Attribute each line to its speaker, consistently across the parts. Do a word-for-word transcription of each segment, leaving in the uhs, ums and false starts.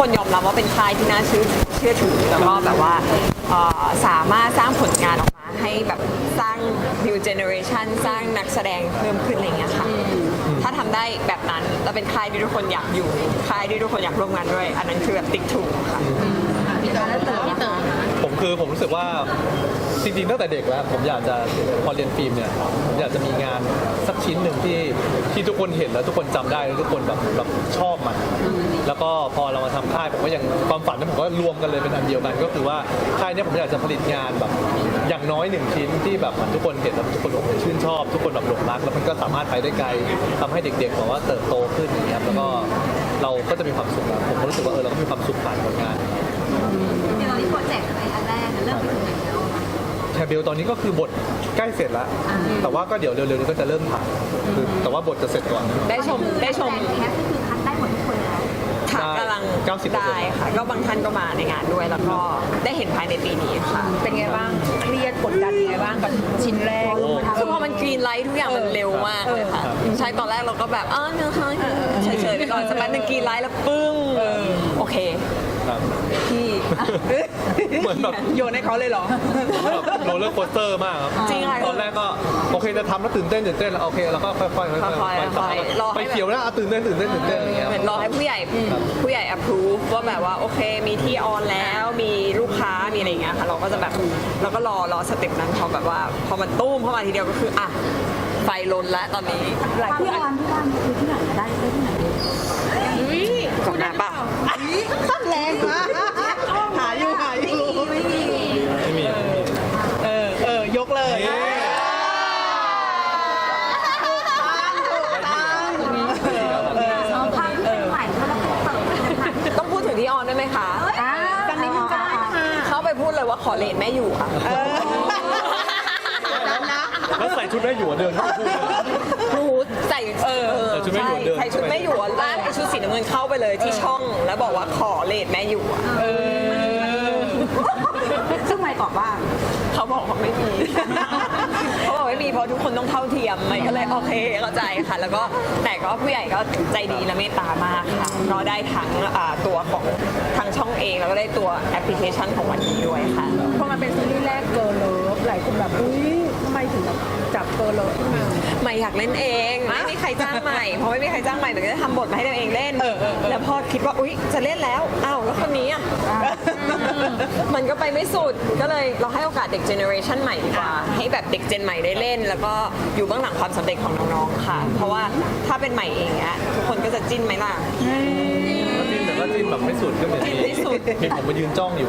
Speaker 1: คนยอมรับว่าเป็นค่ายที่น่าเชื่อเชื่อถือแล้วก็แบบว่าสามารถสร้างผลงานออกมาให้แบบสร้าง new generation สร้างนักแสดงเพิ่มขึ้นอะไรเงี้ยค่ะถ้าทำได้แบบนั้นแล้วเป็นค่ายที่ทุกคนอยากอยู่ค่ายที่ทุกคนอยากร่วมงานด้วยอันนั้นคือแบบติ๊กถูกค่ะ
Speaker 2: พี่เต๋อแล้วเต๋อพี่เต๋อ
Speaker 3: ผมคือผมรู้สึกว่าจริงๆตั้งแต่เด็กแล้วผมอยากจะพอเรียนฟิล์มเนี่ยผมอยากจะมีงานสักชิ้นหนึ่งที่ที่ทุกคนเห็นแล้วทุกคนจำได้แล้วทุกคนแบบแบบชอบมันแล้วก็พอเรามาทำค่ายผมก็ยังความฝันนั้นผมก็รวมกันเลยเป็นอันเดียวกันก็คือว่าค่ายนี้ผมอยากจะผลิตงานแบบอย่างน้อยหนึ่งชิ้นที่แบบทุกคนเห็นแล้วทุกคนชื่นชอบทุกคนแบบหลงรักแล้วมันก็สามารถไปได้ไกลทำให้เด็กๆแบบว่าเติบโตขึ้นอย่างเงี้ยแล้วก็เราก็จะมีความสุขผมก็รู้สึกว่าเออเราก็มีความสุขผ่านผลงาน
Speaker 2: เดี๋ยวเราที่โปรเจกต์อะไรอันแรกเริ่มไปถึงไหนแล้ว
Speaker 3: แคเบลตอนนี้ก็คือบทใกล้เสร็จแล้วแต่ว่าก็เดี๋ยวเร็วๆนี้ก็จะเริ่มถ่ายคือแต่ว่าบทจะเสร็จก่อน
Speaker 1: ได้ชมได้ชม
Speaker 2: แคสก็คือคัดได้หมดทุกคนแล้ว
Speaker 1: ค่ะกำลังได้ค่ะก็บางท่านก็มาในงานด้วยแล้วก็ได้เห็นภายในปีนี้ค่ะ
Speaker 4: เป็นไงบ้างเครียดกดดันยังไงบ้างกับชิ้นแรก
Speaker 1: คือพอมันกรีนไลท์ทุกอย่างมันเร็วมากเลยค่ะใช่ตอนแรกเราก็แบบอ๋อเนื้อค่ะเฉยๆไปก่อนสักแป๊บนึงกรีนไลท์แล้วปึ้งโอเคพี่
Speaker 3: เหมือนแบบ
Speaker 4: โยนให้เขาเลยเหรอ
Speaker 3: โรลเลอร์โคสเตอร์มากครับ
Speaker 1: จริงค่ะ
Speaker 3: ตอนแรกก็โอเคจะทำแล้วตื่นเต้นตื่นเต้นแล้วโอเคแล้วก็ค่อยๆค่อยๆค่อยๆไปเขียวแล้วตื่นเต้นตื่นเต้นตื่นเต้นอย่างเงี้ย
Speaker 1: เหมือนรอให้ผู้ใหญ่ผู้ใหญ่ approve ว่าแบบว่าโอเคมีที่ออนแล้วมีลูกค้ามีอะไรอย่างเงี้ยค่ะเราก็จะแบบเราก็รอรอสเต็ปนั้นพอแบบว่าพอมันตุ้มเข้ามาทีเดียวก็คืออ่ะไฟลนแล้วตอนนี้
Speaker 2: หลายที่ออนที่บ้านคือที่ไหนได้ที่ไหน
Speaker 1: ก่อนหน้าป่ะ
Speaker 4: แรงมากหาอยู่หาอยู่
Speaker 2: ไม่มี
Speaker 3: ไม่มี
Speaker 4: เออเออยกเลย
Speaker 1: ต้องพูดถึงที่ออนได้ไหมคะ
Speaker 2: ดังนี้มันได้ค่ะ
Speaker 1: เข้าไปพูดเลยว่าขอเลนแม่อยู่ค่ะ
Speaker 3: แล้วใส่ชุดแม่หยวนเดินเข้าไปพูด
Speaker 1: พูดใส่เออ
Speaker 3: ชุดแม่หยวนเดิน
Speaker 1: ใส่ชุดแม่หยวนลากไอชุดสีน้ำเงินเข้าไปเลยที่ช่องแล้วบอกว่าขอเลนแม่อยู่
Speaker 2: ซึ่งไม่ตอบว่า
Speaker 1: เขาบอกว่าไม่มีเขาบอกไม่มีเพราะทุกคนต้องเท่าเทียมไม่ก็เลยโอเคเข้าใจค่ะแล้วก็แต่ก็ผู้ใหญ่ก็ใจดีและเมตตามากค่ะก็ได้ทั้งตัวของทางช่องเองแล้วก็ได้ตัวแอปพลิเคชันของวันนี้ด้วยค่ะ
Speaker 4: เพราะมันเป็นซีรีส์แรกเกิร์ลเลิฟหลายคนแบบอุ้ยทำไมถึงแบบจับเกิร์ลเลิฟขึ้นมา
Speaker 1: ใหม่อยากเล่นเองไม่มีใครจ้างใหม่เพราะไม่มีใครจ้างใหม่แต่ก็จะทำบทมาให้ตัวเองเล่นแล้วพอคิดว่าอุ๊ยจะเล่นแล้วอ้าวแล้วคนนี้อ่ะมันก็ไปไม่สุดก็เลยเราให้โอกาสเด็กเจเนอเรชันใหม่ดีกว่าให้แบบเด็กเจนใหม่ได้เล่นแล้วก็อยู่เบื้องหลังความสำเร็จของน้องๆค่ะเพราะว่าถ้าเป็นใหม่เองเนี้ยทุกคนก็จะจิ้นไหมล่ะ
Speaker 3: จิ้นแต่ก็จิ้นแบบไม่สุดก็เหมือนมีมีผมมายืนจ้องอยู่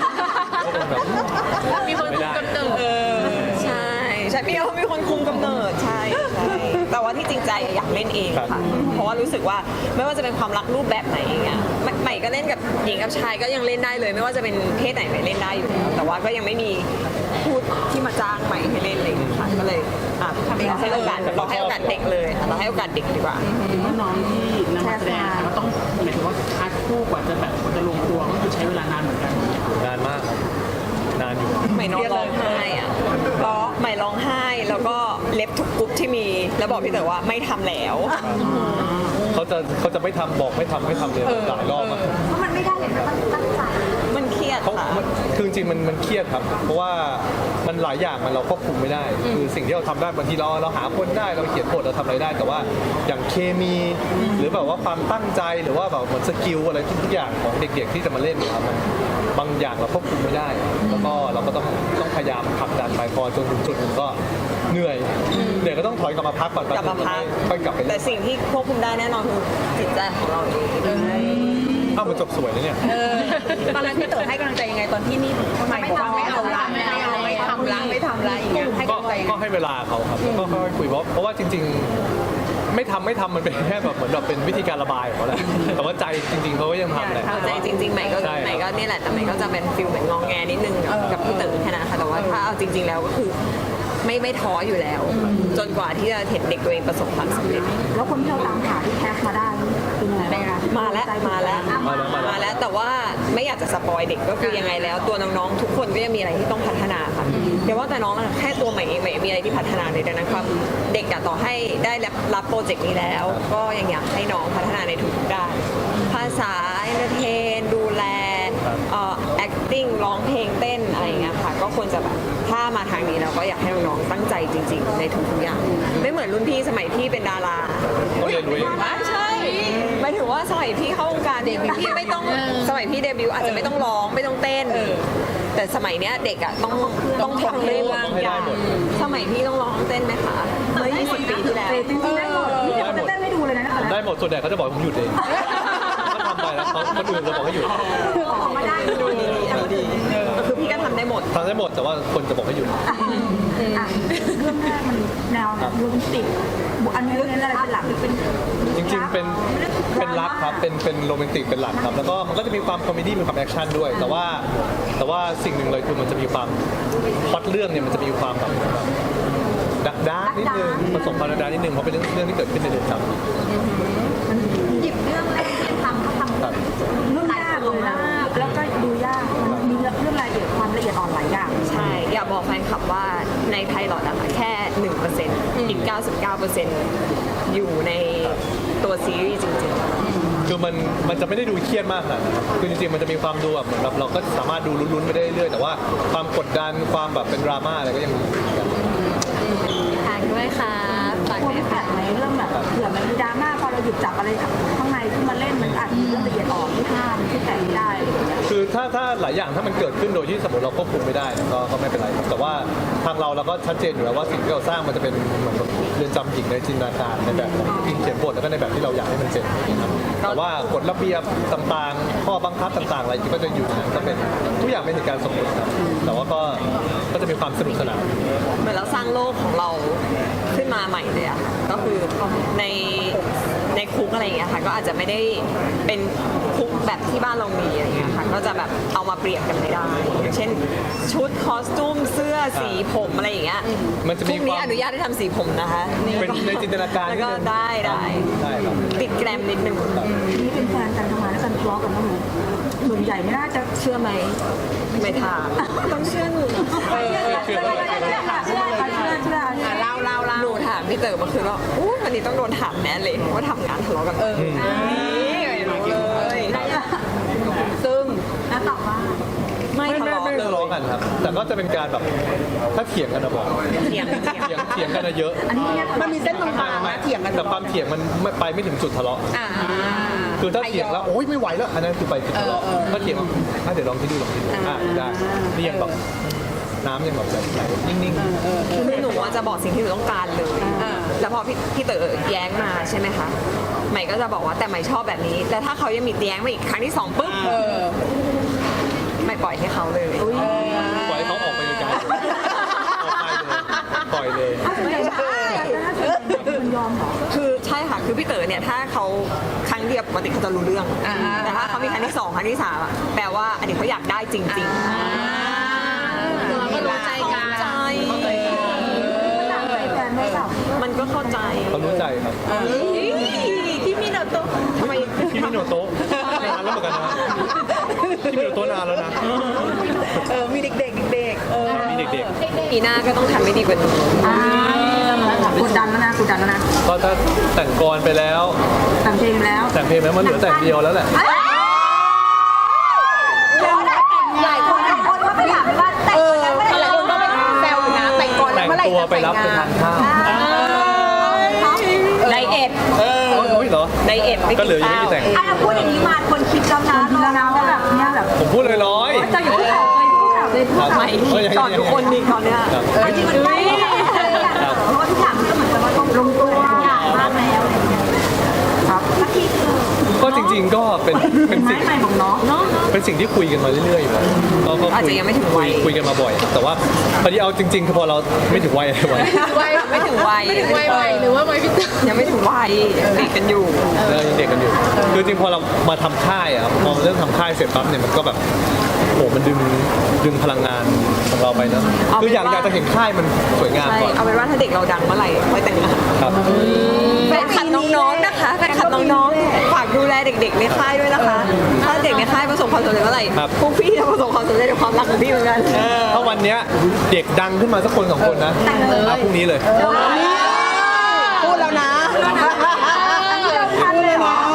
Speaker 4: มีคนคุมกำเนิด
Speaker 1: ใช่ใช่มีมีคนคุมกำเนิดใช่ใช่แต่ว่าที่จริงใจอยากเล่นเองค่ะเพราะว่ารู้สึกว่าไม่ว่าจะเป็นความรักรูปแบบไหนเงี้ยใหม่ก็เล่นกับหญิงกับชายก็ยังเล่นได้เลยไม่ว่าจะเป็นเพศไหนใหม่เล่นได้อยู่แล้วแต่ว่าก็ยังไม่มีพูดที่มาจ้างใหม่ให้เล่นเลยค่ะก็เลยอ่ะเราให้โอกาสเราให้โอกาสเด็กเลยเราให้โอกาสเด็กดีกว่า
Speaker 5: น้องที่นำมาแสดงก็ต้องหมายถึงว่าคัดคู่กว่าจะแบบจะลงตัวก็คือใช้เวลานานเหมือนกัน
Speaker 3: นานมากนานอยู่
Speaker 1: ใหม่นอนร้องไห้อะร้องใหม่ร้องไห้แล้วก็เล็บทุกกรุ๊ปที่มีแล้วบอกพี่เต๋อว่าไม่ทำแล้ว
Speaker 3: เขาจะเขาจะไม่ทำบอกไม่ทำไม่ทำเลยหลายรอบ
Speaker 2: เพราะมันไม่ได้เลยนะมันตั้งใจ
Speaker 1: มันเครียดค่ะ
Speaker 3: คือจริงมันมันเครียดครับเพราะว่ามันหลายอย่างมันเราควบคุมไม่ได้คือสิ่งที่เราทำได้บางทีเราเราหาคนได้เราเขียนบทเราทำอะไรได้แต่ว่าอย่างเคมีหรือแบบว่าความตั้งใจหรือว่าแบบเหมือนสกิลอะไรทุกอย่างของเด็กๆที่จะมาเล่นครับมันบางอย่างเราควบคุมไม่ได้แล้วก็เราก็ต้องต้องพยายามผลักดันไปพอจนถึงจุดหนึ่งก็เหนื่อยเหนื่อยก็ต้องถอยกลับมาพักก่อน
Speaker 1: กลับมาพัก
Speaker 3: ค่อยกลับไป
Speaker 1: แต่สิ่งที่ควบคุมได้แน่นอนคือจิตใจของเราเอง
Speaker 3: อ้าวมันจบสวยเลยเนี่ย
Speaker 4: ตอนนั้นพี่เต๋อให้กำลังใจยังไงตอนที่นี่ทำไมบอกว่าไม่เอาละไม่เอาไม่ทำละไม่ทำละอย่างเงี้ยให้กำลังใจ
Speaker 3: ก็ให้เวลาเขาครับก็ค่อยคุยเพราะเพราะว่าจริงๆไม่ทำไม่ทำมันเป็นแค่แบบเหมือนแบบเป็นวิธีการระบายของเขาแหละแต่ว่าใจจริงๆเขาก็ยังทำแหละ
Speaker 1: ใจจริงๆใหม่ก็ใหม่ก็นี่แหละแต่ใหม่ก็จะเป็นฟิลเหมือนงองแงนิดนึงกับพี่เต๋อแค่นั้นค่ะแต่ว่าถ้าเอาจริงๆแล้วก็คือไม่ไม่ท้ออยู่แล้วจนกว่าที่จะเห็นเด็กตัวเองประสบความสำเร็จ
Speaker 2: แล้วคนที่เราตามหาที่แคสมาได้เป็นยังไงบ้างคะ
Speaker 1: มาแล้วมาแล้วมาแล้วแต่ว่าไม่อยากจะสปอยเด็กก็คือยังไงแล้วตัวน้องๆทุกคนก็ยังมีอะไรที่ต้องพัฒนาค่ะเดี๋ยวว่าแต่น้องอะแค่ตัวใหม่เองใหม่มีอะไรที่พัฒนาเลยดังนั้นความเด็กอะต่อให้ได้รับรับโปรเจกต์นี้แล้ว ก็ยังอยากให้น้องพัฒนาในทุกๆด้านภาษาเอนเตอร์เทนดูแลเอ่อ acting ร้องเพลงเต้นอะไรอย่างเงี้ยค่ะก็ควรจะแบบถ้ามาทางนี้เราก็อยากให้น้องๆตั้งใจจริง ๆ ในทุกๆอย่างไม่เหมือนรุ่นพี่สมัยพี่เป็นดารา
Speaker 3: เขาเรียนรู้เอง
Speaker 1: ไม่ใช่หมายถึงว่าสมัยพี่เข้าวงการเด็กพี่ไม่ต้องสมัยพี่เดบิวต์อาจจะไม่ต้องร้องไม่ต้องเต้นแต่สมัยเนี้ยเด็กอ่ะต้องต้องทำเรื่องบางอย่างสมัยพี่ต้องร้องเต้นไหมคะเมื่อยี่สิบปีที่แล้ว
Speaker 4: จริงๆได้หมดนี่จะเต้นให้ดูเลยนะ
Speaker 3: ได้หมดส่วนใหญ่เขาจะบอกให้ผมหยุดเองเขาทำไปแล้วเขาคนอื่นจะบอกให้หยุด
Speaker 4: คือออกมาได้
Speaker 1: ดูดีดูดีคือพี่ก็ทำได้หมด
Speaker 3: ทำได้หมดแต่ว่าคนจะบอกให้หยุด
Speaker 4: อ่ะเรื่องแรกมันแนวโรแมนติกอันนี้เรื่องนี้อะไรเป็นหลักหรือเป็น
Speaker 3: จริงๆ เป็น เป็นรักครับ เป็น เป็นโรแมนติก เป็นหลักครับ แล้วก็มันก็จะมีความคอมเมดี้ มีความแอคชั่นด้วย แต่ว่า แต่ว่าสิ่งหนึ่งเลยคือมันจะมีความพล็อตเรื่องเนี่ยมันจะมีความแบบดักดาร์กนิดนึงผสมความดักดาร์กนิดนึงเพราะเป็นเรื่องเรื่องที่เกิดขึ้นในเรือนจำ
Speaker 2: หยิบเรื่องแรกที่ทำก็ทำ
Speaker 3: ครับ
Speaker 4: เรื่องยากเลยนะแล้วก็ดูยากมันมีเรื่องรายละเอียดความละเอียดอ่อนหลายอย่าง
Speaker 1: ใช่ อยากบอกแฟนคลับว่าในไพลอตอะค่ะแค่ หนึ่งเปอร์เซ็นต์ อีก เก้าสิบเก้าเปอร์เซ็นต์ อยู่ในตัวซีรีส์จริงๆ
Speaker 3: คือมันมันจะไม่ได้ดูเครียดมากขนาดนั้นคือจริงๆ มันจะมีความดูแบบเหมือนแบบเราก็สามารถดูลุ้นๆไปได้เรื่อยๆ แต่ว่าความกดดัน ความแบบเป็นดราม่าอะไรก็ยังมี
Speaker 1: ทางด้วยค่ะฝาก
Speaker 4: ควร
Speaker 1: ด้วย
Speaker 4: ไม่แปล
Speaker 1: ค่ะ
Speaker 4: กไหมเรื่องแบบเผื่อมันมีดราม่าพอเราหยิบจับอะไรข้างในขึ้นมาเล่นมันอาจจะมีเรื่องละเอียดอ่อนที่ห้ามที่แตะไม่ได้อะไรอย่างเงี้ย
Speaker 3: คือถ้าถ้าหลายอย่างถ้ามันเกิดขึ้นโดยที่สมมติเราควบคุมไม่ได้ก็ก็ไม่เป็นไรครับแต่ว่าทางเราเราก็ชัดเจนอยู่แล้วว่าสิ่งที่เราสร้างมันจะเป็นเหมือนกับเรือนจำหญิงในจินตนาการในแบบของทีมเขียนบทแล้วก็ในแบบที่เราอยากให้มันเป็นนะครับแต่ว่ากฎระเบียบต่างๆ ข้อบังคับต่างๆอะไรที่ก็จะอยู่ในนั้นก็เป็นทุกอย่างเป็นเหตุการณ์สมมติครับแต่ว่าก็ก็จะมีความสนุกสนาน
Speaker 1: เหมือนเราสร้างโลกของเราขึ้นมาใหม่เลยอะค่ะก็คือในในคุกอะไรอย่างเงี้ยค่ะก็อาจจะไม่ได้เป็นคุกแบบที่บ้านเรามีอะไรเงี้ยค่ะก็จะแบบเอามาเปรียบกันไม่ได้อย่างเช่นชุดคอสตูมเสื้อสีผมอะไรอย่างเงี้ย
Speaker 3: มันจะมี
Speaker 1: พวกนี้
Speaker 3: ความ
Speaker 1: อนุญาตให้ทำสีผมนะคะ
Speaker 3: เป็นในจินตนาการ
Speaker 1: แล้วก็
Speaker 3: นิดนึง
Speaker 1: ได้ได้
Speaker 3: ได้ครับ
Speaker 1: ติดแกรมนิดนึง
Speaker 4: นี่เป็นแฟนกันทำงานแล้วกันทะเลาะกันบ้างไหมส่วนใหญ่ไม่น่าจะ
Speaker 1: เชื่อไหมไม่ถามต้องเชื่อหนู
Speaker 4: เชื่อเชื่อเชื่อเชื่อเชื่อเชื่อเชื่อเล่าเล่าเล่า
Speaker 1: หนูถามพี่เต๋อเมื่อคืนว่าอู้วันนี้ต้องโดนถามแน่เลยว่าทำงานทะเลาะกันเออนี่รู้เลยซึ่ง
Speaker 2: แล้วตอบว่า
Speaker 1: ไม่
Speaker 3: ไม่
Speaker 1: ทะ
Speaker 3: ไม่
Speaker 1: เลาะ
Speaker 3: ไม่
Speaker 1: เล
Speaker 3: ทะเลาะ
Speaker 1: ย
Speaker 3: กันครับ แต่ก็จะเป็นการแบบถ้าเถียงกันนะบอก
Speaker 1: เถียงเถียง
Speaker 3: เถียงเถียงกันนะเยอะ
Speaker 4: อันนี้เนี่ย
Speaker 5: มันมีเส้นบางๆนะเถียงกัน
Speaker 3: แต่ความเถียงมันไม่ไปไม่ถึงจุดทะเลาะ
Speaker 1: อ่า
Speaker 3: คือถ้าเถียงแล้วโอ๊ยไม่ไหวแล้วอันนั้นคือไปจุดทะเลาะถ้าเถียงว่าอ่ะเดี๋ยวลองที่ดูลองที่ดูอ่ะได้นี่ยังแบบน้ำยังแบบไหลนิ่งๆ
Speaker 1: คือหนูอะจะบอกสิ่งที่หนูต้องการเลยแล้วพอพี่พี่เต๋อแย้งมาใช่ไหมคะใหม่ก็จะบอกว่าแต่ใหม่ชอบแบบนี้แต่ถ้าเขายังมีแย้งมาอีกครั้งที่สองปุ๊บไม่ปล่อยให้เขาเลย
Speaker 3: ปล่อยให้เขาออกไปไกลๆออกไปเลยปล่อยเลย
Speaker 4: ไม่ใช่มันยอมเหรอ
Speaker 1: คือใช่ค่ะคือพี่เต๋อเนี่ยถ้าเขาครั้งเดียวปกติเขาจะรู้เรื่อง แต่ถ้าเขามีครั้งที่สองครั้งที่สามอะแปลว่าอันนี้เขาอยากได้จริงๆ
Speaker 2: เราก็รู้ใจกัน
Speaker 1: เข้าใจ
Speaker 4: ต่างใจแฟนไม่เปล่า
Speaker 1: มันก็เข้าใจ
Speaker 3: เขารู้ใจครับ
Speaker 1: ที่มีโนโตะทำไม
Speaker 3: พี่มิโนโตะนานแล้วเหมือนกันนะพี่มิโนโตะนานแล้วนะ
Speaker 4: เออมีเด็กๆเด็ก
Speaker 3: มีเด็ก
Speaker 1: ปีหน้าก็ต้องทำให้ดีกว่านี้
Speaker 4: ๆอ่ากดดันแล้วนะกดดันแล้วนะ
Speaker 3: ๆก็ถ้าแต่งกรไปแล้ว
Speaker 4: แต่งเพลงแล้ว
Speaker 3: แต่งเพลงแล้วมันเหลือแต่งเดียวแล้วแหละ
Speaker 2: หลายคนคนก็ไปถามว่าแต่งกันเมื่อไหร่
Speaker 4: หลายคนก็ไปแซวอยู่นะแต่งก่อน
Speaker 3: แต่งตัวไปรับไปทานข้าว
Speaker 1: ไดเอท
Speaker 3: เออโอ้ยเหรอ
Speaker 1: ไดเอทไม่
Speaker 3: ก็
Speaker 1: กิน
Speaker 3: เหลือยัง
Speaker 1: ข้า
Speaker 3: ไม่
Speaker 1: ว
Speaker 3: ได้แต่ง
Speaker 2: อ่ะพูดอย่างนี้มาคนคิดแล้วนะ
Speaker 4: คิดแล้วนะว่าแบบเนี้ยแบบ
Speaker 3: ผมพูดลอยๆ
Speaker 4: จะอยู่ที่ข่าวเลยที่ข่าวเลย
Speaker 3: ครับ
Speaker 1: ใหม่
Speaker 3: เอ้ย
Speaker 1: ก่อนทุกคนดีตอนเนี้ย
Speaker 3: ครับ
Speaker 2: จริงมันใกล้เพราะว่าทุกอย่างมันก็เหมือนกับว่าต้องลงตัวอย่างมากแล้วอะไรอย่างเงี้ย
Speaker 4: ครับ
Speaker 2: สักทีคือ
Speaker 3: ก็จริง ๆ ก็เป็นเป็น
Speaker 4: ไม้
Speaker 3: สิ่ง
Speaker 4: ใหม่ของน้องเนาะ
Speaker 3: เป็นสิ่งที่คุยกันมาเรื่อยๆอยู่แล้วก็ก็
Speaker 1: อาจ
Speaker 3: คุย
Speaker 1: จะยังไม่ถึงวัย
Speaker 3: คุยกันมาบ่อย แต่ว่าพอดีเอาจริงๆคือพอเราไม่ถึงวัยอะไรวัย
Speaker 1: วัยไม่ถึงวัยไม่ถึงวัยหรือว่าวัยพี่ยังไม่ถึงวัยติดกันอยู่
Speaker 3: เรายังเด็กกันอยู่คือจริงๆพอเรามาทำค่ายอะครับพอเริ่มทำค่ายเสร็จปั๊บเนี่ยมันก็แบบโหมันดึงดึงพลังงานของเราไปนะ
Speaker 1: เอาเป็น
Speaker 3: คืออยาก
Speaker 1: ว่า
Speaker 3: อยากจะเห็นค่ายมันสวยงาม
Speaker 1: ใช่
Speaker 3: ก่อน
Speaker 1: เอาเป็นว่าถ้าเด็กเราดังเมื่อไหร่ค่อยแต่งงาน
Speaker 3: ครับ
Speaker 1: แฟนคลับน้องๆนะคะแฟนคลับน้องๆฝากดูแลเด็กๆในค่ายด้วยนะคะ ถ้าเด็กในค่ายประสบความสำเร็จเมื่อไหร่
Speaker 3: ครับ
Speaker 1: พวกพี่จะประสบความสำเร็จในความรักของพี่เหมือนกัน
Speaker 3: ถ้าวันเนี้ยเด็กดังขึ้นมาสักคนสองคนนะเอาพรุ่งนี้เลย
Speaker 4: พูดแล้วนะ
Speaker 2: ทันเลยเหรอ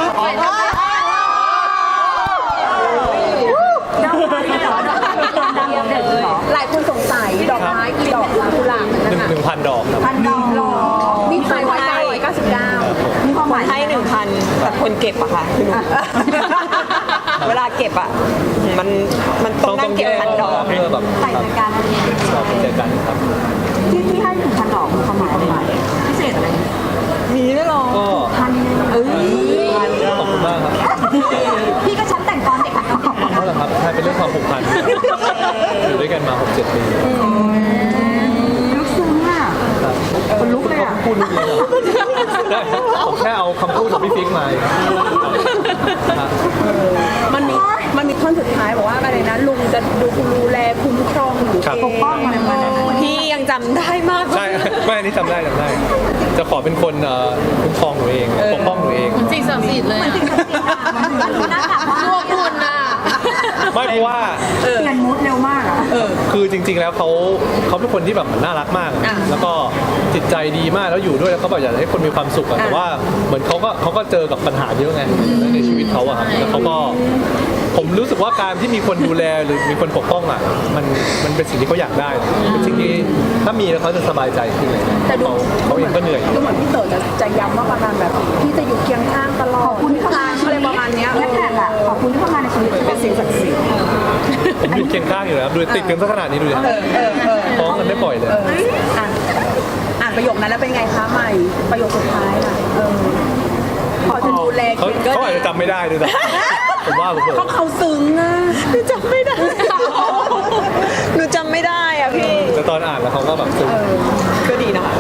Speaker 2: ดอกไม้เหรอดอกไม้ดังเด็กเหรอ
Speaker 4: หลายคนสงสัยดอกไม้กี่ดอกคะกุหลาบ
Speaker 3: หนึ่งหนึ่งพันดอกครับ
Speaker 2: พันดอกเหรอ
Speaker 4: มีขายไว้เก้าร้อยเก้าสิบเก้า
Speaker 2: มีความหมาย
Speaker 1: ให้หนึ่งพันแต่คนเก็บอะค่ะคือหนูเวลาเก็บอะมันมันต้องนั่งเก็บพันดอก
Speaker 3: เพื่อแบบ
Speaker 2: ใส่ใจกันอะไรอย่างเงี้ย
Speaker 3: ชอบใจกันครับ
Speaker 2: ที่ที่ให้หนึ่งพันดอกมีความหมายอะไรพิเศษอะไร
Speaker 1: มีด้วยเหรอ
Speaker 3: ก็
Speaker 2: พันเอ้ย
Speaker 3: ขอบคุณมากครับ
Speaker 2: พี่ก็ฉันแต่งตอนเด็กอะ
Speaker 3: นั่นแหละครับใช่เป็นเรื่องความผูกพันอยู่ด้วยกันมาหกเจ็ดปี
Speaker 2: ลึกซึ้งอะ คนลุกเลยอะ
Speaker 3: พูดเรื่องนี้เหรอได้ผมแค่เอาคำพูดของพี่ฟิกมาครับ
Speaker 4: มันมีมันมีท่อนสุดท้ายบอกว่าอะไรนะลุงจะดูดูแลคุ้มครองหนู
Speaker 3: ครับ
Speaker 4: เอง
Speaker 2: ป้องอะไรประมาณนั้น
Speaker 1: พี่ยังจำได้มาก
Speaker 3: ใช่ไม่อันนี้จำได้จำได้ จะขอเป็นคนเอ่อคุ้มครองหนูเองปกป้องหนูเอง
Speaker 6: จริงศักดิ์สิทธิ์เลยอะ
Speaker 2: มันดูน่ากลับมาก
Speaker 6: พวกคุณน่ะ
Speaker 3: ไม่เพราะว่า
Speaker 2: เปลี่ยนมูดเร็วมากอะ
Speaker 3: คือจริง ๆ แล้วเขาเขาเป็นคนที่แบบเหมือนน่ารักมาก แล้วก็จิตใจดีมากแล้วอยู่ด้วยแล้วเขาแบบอยากให้คนมีความสุขอะแต่ว่าเหมือนเขาก็เขาก็เจอกับปัญหาเยอะไงในชีวิตเขาอะครับแล้วเขาก็ผมรู้สึกว่าการที่มีคนดูแลหรือมีคนปกป้องอะมันมันเป็นสิ่งที่เขาอยากได้เป็นสิ่งที่ถ้ามีแล้วเขาจะสบายใจขึ้นเลยเขาเขาเองก็เหนื่อย
Speaker 4: ก็เหมือนพี่เต๋อจะจะย้ำว่าประมาณแบบพี่จะอยู่เคียงข้างตลอด
Speaker 2: ขอบคุณที่เข้ามาในชี
Speaker 4: อะไร
Speaker 2: วิต
Speaker 4: ประมาณเนี้ย
Speaker 2: แรกๆอะขอบคุณที่เข้ามาในชีวิต
Speaker 4: เป็นสิ่งศักดิ์สิทธิ์
Speaker 3: ผมอยู่เคียงข้างอยู่แล้วครับดูติดกันสักขนาดนี้ดูดิฟ้องกันไม่ปล่อยเลย
Speaker 4: อ่านอ่านประโยคนั้นแล้วเป็นไงคะใหม่ ประโยคสุดท้ายน่ะเออพอจะดูแล
Speaker 3: เขาเขาอาจจะจำไม่ได้ด้วยซ้ำผมว่าผมเผลอ
Speaker 4: เขาเขาซึ้งอ่ะ
Speaker 1: หนูจำไม่ได้ หนูจำไม่ได้อะพี่
Speaker 3: แต่ตอนอ่านแล้วเขาก็แบบซึ้ง
Speaker 1: ก็ดีนะคะ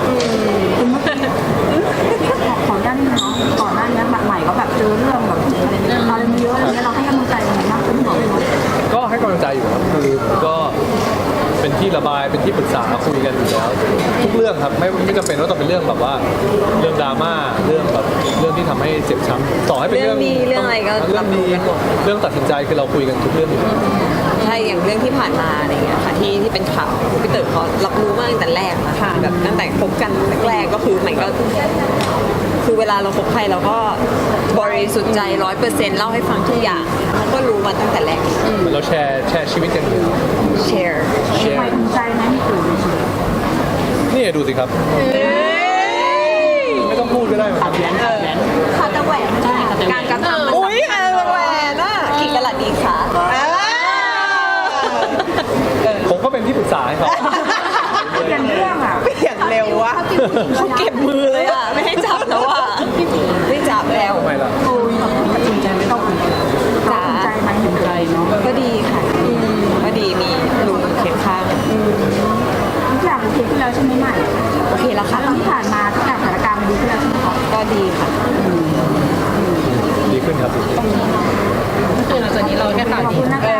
Speaker 2: ขอด้านนี้เนาะก่อนหน้านี้แบบใหม่ก็แบบเจอเรื่องแบบอะไรเนี่ยอะไรเยอะอะไรเงี้ยเราให้กำลังใจยังไงบ้างเป็นห่วงไหม
Speaker 3: ก็ให้กำลังใจอยู่ครับคือก็เป็นที่ระบายเป็นที่ปรึกษาคุยกันอยู่แล้วทุกเรื่องครับไม่ไม่จำเป็นว่าต้องเป็นเรื่องแบบว่าเรื่องดราม่าเรื่องแบบเรื่องที่ทำให้เจ็บช้ำต่อให้เป็นเรื่อง
Speaker 1: เรื่องดีเรื่องอะไรก็
Speaker 3: เรื่องดี
Speaker 1: รับรู้กันหมด
Speaker 3: เรื่องตัดสินใจคือเราคุยกันทุกเรื่องอยู่แล้ว
Speaker 1: ใช่อย่างเรื่องที่ผ่านมาอะไรเงี้ยค่ะที่ที่เป็นข่าวพี่เต๋อเขารับรู้มาตั้งแต่แรกนะคะแบบตั้งแต่คบกันแรกๆก็คือใหม่ก็คือเวลาเราคบใครเราก็บริสุทธิ์ใจร้อยเปอร์เซ็นต์เล่าให้ฟังทุกอย่างเขาก็รู้มาตั้งแต่แรก
Speaker 3: เหมือนเราแชร์แชร์ชีวิตกันอยู่แล้ว
Speaker 1: แชร์
Speaker 3: แชร์
Speaker 2: ใหม่ภูมิใจไหมมีตื่นในชีวิต
Speaker 3: นี่ดูสิครับ ไม่ต้องพูดก็ได้เหมือนกัน
Speaker 2: ขาดแต่แหวนไม่ได้
Speaker 4: การกระทำมัน
Speaker 1: อุ้ยแหวนอ่ะกี่กะลัดดีคะ
Speaker 3: ผมก็เป็นที่ปรึกษาให้เขา
Speaker 2: เปลี่ยนเรื่องอะ
Speaker 4: เปลี่ยนเร็ววะ
Speaker 1: เขาเก็บมือเลยอ่ะไม่ให้จับแล้วอ่ะไม่จับแล้ว
Speaker 3: ทำไมล่ะ
Speaker 2: ตัดสินใจไม่ต้องภูมิใจไหมภูมิใจเนาะ
Speaker 1: ก็ดีค่ะก็ดีมีลุงเคียงข้าง
Speaker 2: ทุกอย่างโอเคขึ้นแล้วใช่ไหมใหม่
Speaker 1: โอเคแล้วค่ะ
Speaker 2: ที่ผ่านมาทุกอย่างสถานการณ์มันดีขึ้นแล้วใช่ไหมคะ
Speaker 1: ก็ดีค่ะ
Speaker 3: ดีขึ้นครับ
Speaker 6: คือหลังจากนี้เราแค่ข่าว
Speaker 2: ขอบ
Speaker 6: ดี
Speaker 2: คุณนะคะ